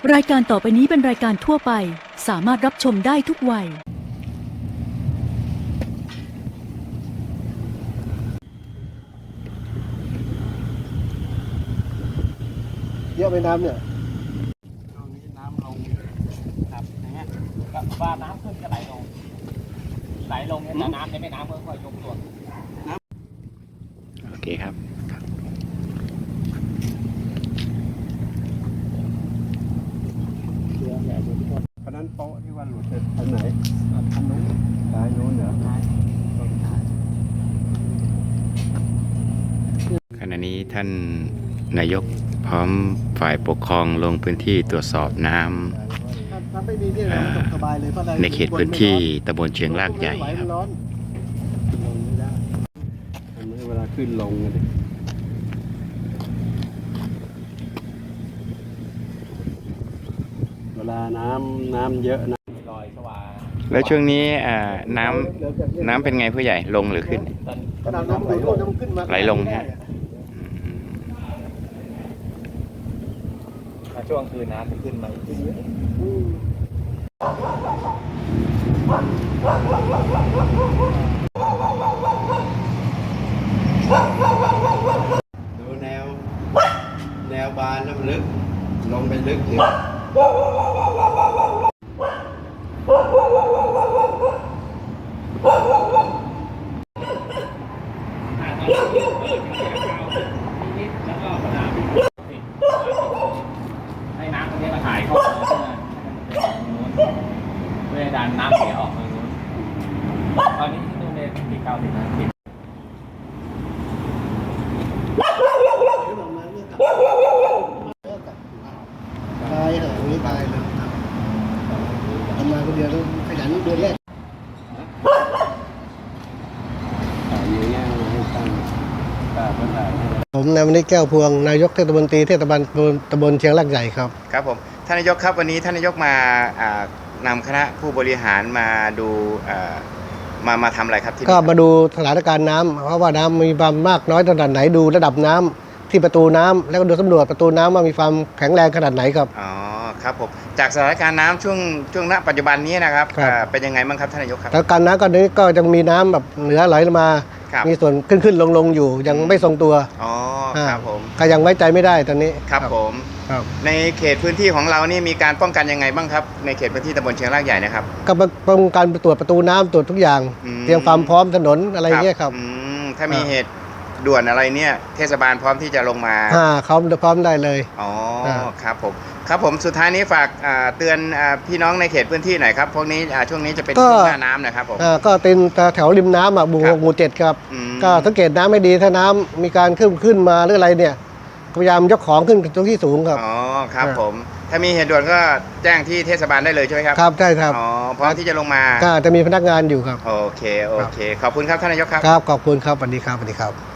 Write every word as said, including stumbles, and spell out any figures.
รายการต่อไปนี้เป็นรายการทั่วไปสามารถรับชมได้ทุกวัยเยอะไปน้ำเนี่ยตรงนี้น้ำลงครับอย่างเงี้ยก็ว่าน้ำขึ้นก็ไหลลงไหลลงเนี่ยแต่น้ำในแม่น้ำก็ค่อยยกตัวโอเคครับเพราะนั้นโป๊ะที่ว่าหลุดอันไหนอันนู้นซ้ายโน้นเหรอขณะนี้ท่านนายกพร้อมฝ่ายปกครองลงพื้นที่ตรวจสอบน้ำในเขตพื้นที่ตำบลเชียงรากใหญ่ครับเวลาขึ้นลงเลยเวลาน้ำน้ำเยอะนะลอยสว่างแล้วช่วงนี้น้ำน้ำเป็นไงผู้ใหญ่ลงหรือขึ้นไหลลงฮะช่วงคืนน้ำจะขึ้นมาอีกดูแนวแนวบานแล้วมันลึกลงไปลึกถึงให้น้ำตรงนี้มาถ่ายเข้าเพื่อดันน้ำเสียออกทางนู้นตอนนี้ที่นู่นเนี่ยติดเก้าสิบนะติดตายเหรอนี่ตายเลยทำงานคนเดียวต้องขยันเดือนแรกผมนายมณิชแก้วพวงนายกเทศมนตรีเทศบาลตำบลเชียงรากใหญ่ครับครับผมท่านนายกครับวันนี้ท่านนายกมานำคณะผู้บริหารมาดูมามาทำอะไรครับที่ก็มาดูสถานการณ์น้ำเพราะว่าน้ำมีความมากน้อยขนาดไหนดูระดับน้ำที่ประตูน้ำแล้วก็ดูสำรวจประตูน้ำว่ามีความแข็งแรงขนาดไหนครับอ๋อครับผมจากสถานการณ์น้ำช่วงช่วงณปัจจุบันนี้นะครับเป็นยังไงบ้างครับท่านนายกครับสถานการณ์น้ำก็นี้ก็จะมีน้ำแบบเหนือไหลมามีส่วนขึ้นขึ้นลงลงอยู่ยังไม่ทรงตัวอ๋อครับผมก็ยังไว้ใจไม่ได้ตอนนี้ครับผมในเขตพื้นที่ของเรานี่มีการป้องกันยังไงบ้างครับในเขตพื้นที่ตำบลเชียงรากใหญ่นะครับก็ป้องกันตรวจประตูน้ำตรวจทุกอย่างเตรียมความพร้อมถนนอะไรเงี้ยครับถ้ามีเหตุด่วนอะไรเนี่ยเทศบาลพร้อมที่จะลงมาอ่าเขาพร้อมได้เลยอ๋อครับผมครับผมสุดท้ายนี้ฝากเตือนพี่น้องในเขตพื้นที่หน่อยครับพวกนี้ช่วงนี้จะเป็นช่วงหน้าน้ำนะครับผมก็เป็นแถวริมน้ำอ่ะหมู่หกหมู่เจ็ดครับก็สังเกตน้ำไม่ดีถ้าน้ำมีการขึ้นขึ้นมาหรืออะไรเนี่ยพยายามยกของขึ้นตรงที่สูงครับอ๋อครับผมถ้ามีเหตุด่วนก็แจ้งที่เทศบาลได้เลยใช่ไหมครับครับใช่ครับอ๋อพร้อมที่จะลงมาก็จะมีพนักงานอยู่ครับโอเคโอเคขอบคุณครับท่านนายกครับครับขอบคุณครับสวัสดีครับสวัสดีครับ